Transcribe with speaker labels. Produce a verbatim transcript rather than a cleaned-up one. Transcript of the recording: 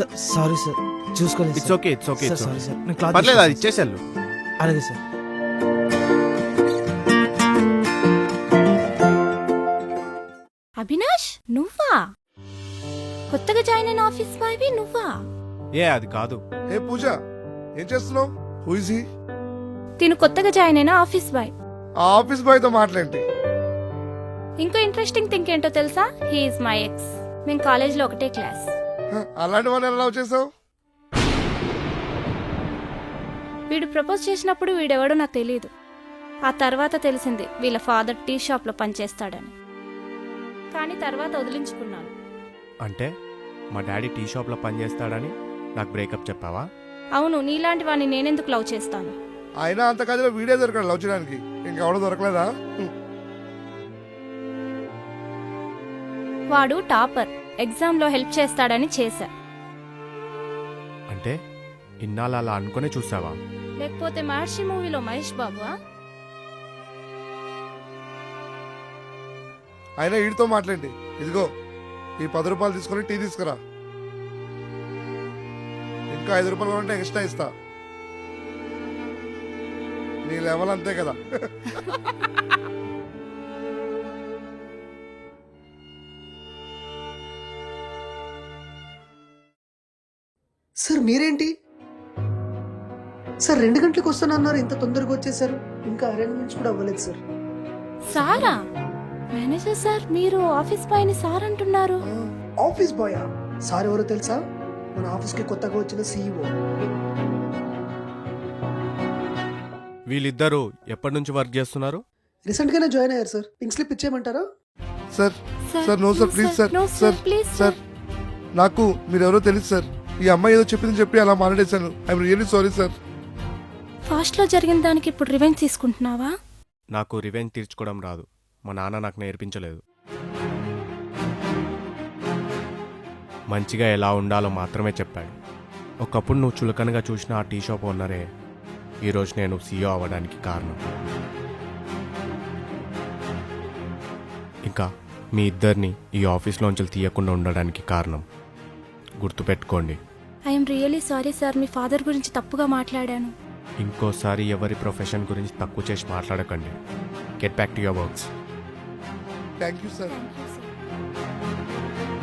Speaker 1: Sorry sir, చూసుకోలేదు
Speaker 2: it's okay it's okay
Speaker 1: sorry sir. నేను cloth
Speaker 2: పర్లేదు అది
Speaker 1: తీసుకొస్తాను.
Speaker 2: ఇచ్చేసాను.
Speaker 1: అలాగే సార్.
Speaker 3: అవినాష్ నువ్వా? కొత్తగా జాయిన్ అయిన ఆఫీస్ బాయ్వి నువ్వా?
Speaker 2: ఏ అది కాదు.
Speaker 4: ఏ పూజ, ఏం చేస్తున్నావు? Who is he?
Speaker 3: తిను కొత్తగా జాయిన్ అయిన ఆఫీస్ బాయ్.
Speaker 4: ఆ ఆఫీస్ బాయ్ తో మాట్లాడండి.
Speaker 3: ఇంకో ఇంట్రెస్టింగ్ థింగ్ ఏంటో తెలుసా? He's my ex. మేము కాలేజ్ లో ఒకటే క్లాస్.
Speaker 4: హ, అలాంటి వాళ్ళని ఎలా లవ్ చేసావు?
Speaker 3: వీడు ప్రపోజ్ చేసినప్పుడు వీడెవడో నాకు తెలియదు. ఆ తర్వాత తెలిసింది వీళ్ళ ఫాదర్ టీ షాప్ లో పనిచేస్తాడని. కానీ తర్వాత వదిలించుకున్నాను.
Speaker 2: అంటే మా డాడీ టీ షాప్లో పనిచేస్తాడని నాకు బ్రేకప్ చెప్పావా?
Speaker 3: అవును, నీలాంటి వాడిని నేనెందుకు లవ్ చేస్తాను?
Speaker 4: అయినా అంత కథలో వీడియో దొరకడు లవ్ చేయడానికి. ఇంకెవడో దొరకలేదా?
Speaker 3: వాడు టాపర్, ఎగ్జామ్ లో హెల్ప్ చేస్తాడని చేశా.
Speaker 2: అంటే ఇన్నాళ్ళు అలా అనుకునే చూసావా?
Speaker 3: లేకపోతే మహర్షి మూవీలో మహేష్ బాబువా?
Speaker 4: అయినా వీడితో మాట్లాడండి. ఇదిగో ఈ పది రూపాయలు తీసుకొని టీ తీసుకురా. ఇంకా ఐదు రూపాయలు ఉంటే ఎక్స్ట్రా ఇస్తా. నీ లెవెల్ అంతే కదా.
Speaker 5: సార్ మీరేంటి సార్ రెండు గంటలకు వస్తానన్నారు, ఇంత తొందరగా వచ్చేసారు? ఇంకా అరేంజ్మెంట్స్ కూడా అవ్వలేదు సార్.
Speaker 3: సారా? మేనేజర్ సార్, మీరు ఆఫీస్ బాయ్ ని సార్ అంటున్నారు?
Speaker 5: ఆఫీస్ బాయా? సార్ ఎవరో తెలుసా? మన ఆఫీస్ కి కొత్తగా వచ్చిన సీఈఓ.
Speaker 2: వీళ్ళిద్దరూ ఎప్పటి నుంచి వర్క్ చేస్తున్నారు?
Speaker 5: రీసెంట్ గానే జాయిన్ అయ్యారు సార్. పింక్ స్లిప్ ఇచ్చేయమంటారా?
Speaker 4: Sir sir no sir, please sir. Sir sir నాకు మీరెవరో తెలుసు సార్. ఈ అమ్మాయి ఏదో చెప్పింది చెప్పి అలా మాట్లాడేశాను. I'm really sorry sir.
Speaker 3: Fast లో జరిగిన దానికి ఇప్పుడు రివెంజ్ తీసుకుంటున్నావా?
Speaker 2: నాకు రివెంజ్ తీర్చుకోవడం రాదు. మా నాన్న నాకు నేర్పించలేదు. మంచిగా ఎలా ఉండాలో మాత్రమే చెప్పాడు. ఒకప్పుడు నువ్వు చులకనగా చూసిన ఆ టీ షాప్ ఓనరే ఈరోజు నేను సీఈఓ అవ్వడానికి కారణం. ఇంకా మీ ఇద్దరిని ఈ ఆఫీస్లోంచి తీయకుండా ఉండడానికి కారణం. గుర్తుపెట్టుకోండి.
Speaker 3: ఐఎమ్ రియల్లీ సారీ సార్, మీ ఫాదర్ గురించి తప్పుగా మాట్లాడాను.
Speaker 2: ఇంకోసారి ఎవరి ప్రొఫెషన్ గురించి తక్కువ చేసి మాట్లాడకండి. Get back to your works.
Speaker 4: Thank you sir.
Speaker 3: Thank you sir.